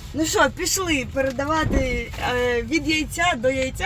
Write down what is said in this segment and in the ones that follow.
Ну що, пішли передавати від яйця до яйця.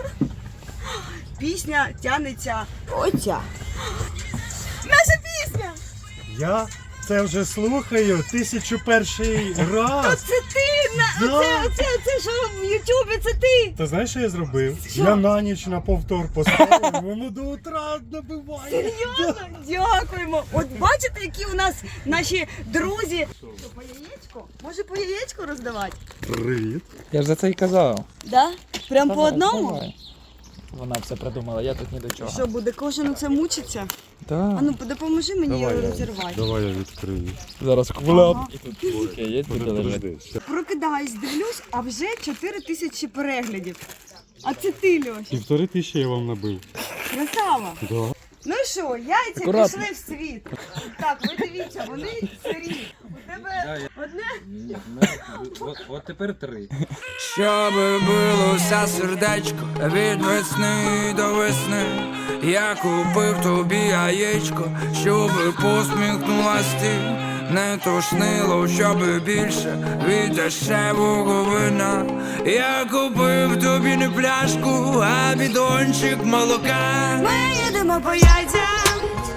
Пісня тянеться. Оця. Наша пісня! Я це вже слухаю 1001 раз. Це ти! Да. Це що в Ютубі, це ти! Ти знаєш, що я зробив? Що? Я на ніч на повтор поставив, воно до утра набиває. Серйозно? Дякуємо! От бачите, які у нас наші друзі. Що, по яєчку? Може по яєчку роздавати? Привіт. Я ж за це і казав. Да? Прям по Давай, одному? давай. Вона все придумала, я тут ні до чого. Що, буде кожен це мучиться? Так. А ну, допоможи мені її розірвати. Давай я відкрию. Зараз куляп. Ага. І тут тільки яєць буде лежати. Подожди. Прокидаюсь, дивлюсь, а вже 4000 переглядів. А це ти, Льош. 1500 я вам набив. Красава. Да. Ну що, яйця Акуратно. пішли в світ. Так, ви дивіться, вони сирі. У тебе одне? От тепер 3. Щоби билося сердечко від весни до весни, я купив тобі яєчко, щоби посміхнулась ти, не тошнило, щоби більше від дешевого вина. Я купив тобі не пляшку, а бідончик молока. Ми їдемо по яйцям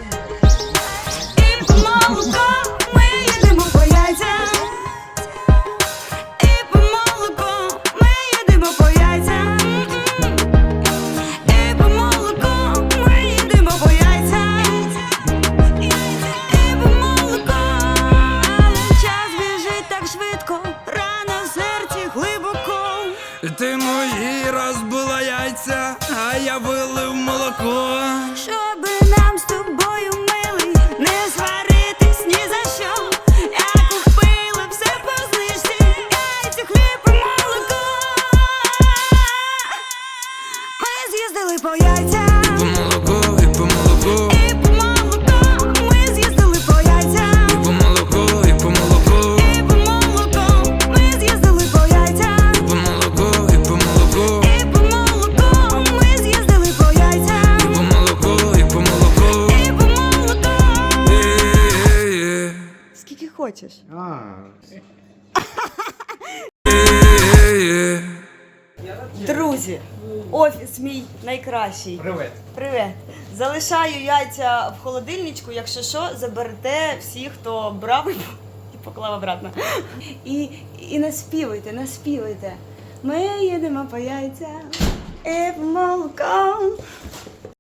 і по молоко. Ми їдемо по яйцям і по молоко. Ми їдемо по яйцям і по молоко. Ми їдемо по яйцям і по молоко. Але час біжить так швидко, рана в серці глибоко. Ти мої розбила яйця, а я вилив молоко. Щоби нам з тобою, милий, не сваритись ні за що. Я купила все по знижці, яйця, хліб і молоко. Ми з'їздили по яйцям По молоко і по молоко, і по молоко. Ми з'їздили по яйцям і по молоко, і по молоко, і по молоко. Ми з'їздили по яйцям і по молоко, і по молоко, і по молоко. Ми з'їздили по яйцям і по молоко, і по молоко. і по молоко. Е-е-е. Скільки хочеш. Е-е-е. Друзі, офіс мій найкращий. Привет. Привет. Залишаю яйця в холодильничку, якщо що, заберете всі, хто брав і поклав обратно. І наспівуйте, наспівуйте. Ми їдемо по яйця і по молоко.